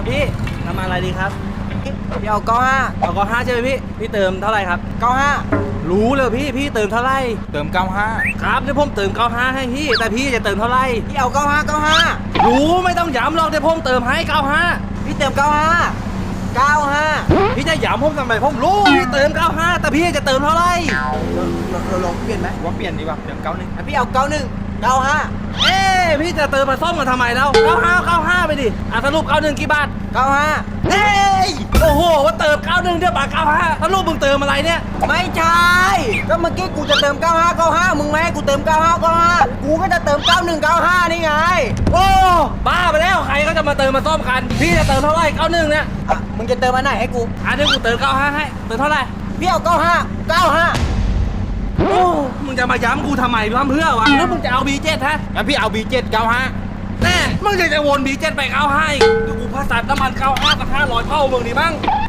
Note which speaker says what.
Speaker 1: พี่น้ำมันอะไรดีครับ
Speaker 2: พี่เอา95
Speaker 1: เอา95ใช่ไหมพี่เติมเท่าไหร่ครับ
Speaker 2: 95
Speaker 1: รู้เลยพี่เติมเท่าไหร่
Speaker 3: เติม95
Speaker 1: ครับเดี๋ยวผมเติม95ให้พี่แต่พี่จะเติมเท่าไหร่
Speaker 2: พี่เอา95
Speaker 1: รู้ไม่ต้องย้ำหรอกเดี๋ยวผมเติมให้95
Speaker 2: พี่เติม95
Speaker 1: พี่จะย้ำผมทำไมผมรู้พี่เติม95แต่พี่จะเติมเท่าไหร่
Speaker 2: เราลองเปลี่ยนไหม
Speaker 3: ว่าเปลี่ยนดีกว่าเติม91
Speaker 2: พี่เอา91 95
Speaker 1: เอ๊ะพี่จะเติมมาซ่อมกันทำไมแล้ว95ไปดิสรุป91กี่บาท
Speaker 2: 95
Speaker 1: เฮ้ยโอ้โหว่าเติม91เดี๋ยวบาท95สรุปมึงเติมอะไรเนี่ย
Speaker 2: ไม่ใช่ก็เมื่อกี้กูจะเติม95มึงไม่ให้กูเติม95กูก็จะเติม91 95นี่ไง
Speaker 1: โอ้บ้าไปแล้วใครก็จะมาเติมมาซ่อมกันพี่จะเติมเท่าไหร่91เนี่ย
Speaker 2: มึงจะเติมอันไหนให้กู
Speaker 1: เดี๋ยวกูเติม95ให้เติมเท่าไหร่
Speaker 2: พี่เอา95
Speaker 1: โอ้มึงจะมาย้ำกูทำไมทำเพื่อวะแล้วมึงจะเอา B7 ฮะ
Speaker 3: งั้นพี่เอา B7 95
Speaker 1: แน่มึงจะวน B7 ไป95อีกเดี๋ยวกูพาสัตว์น้ำมัน95กับ500เท่ามึงดีมั้ง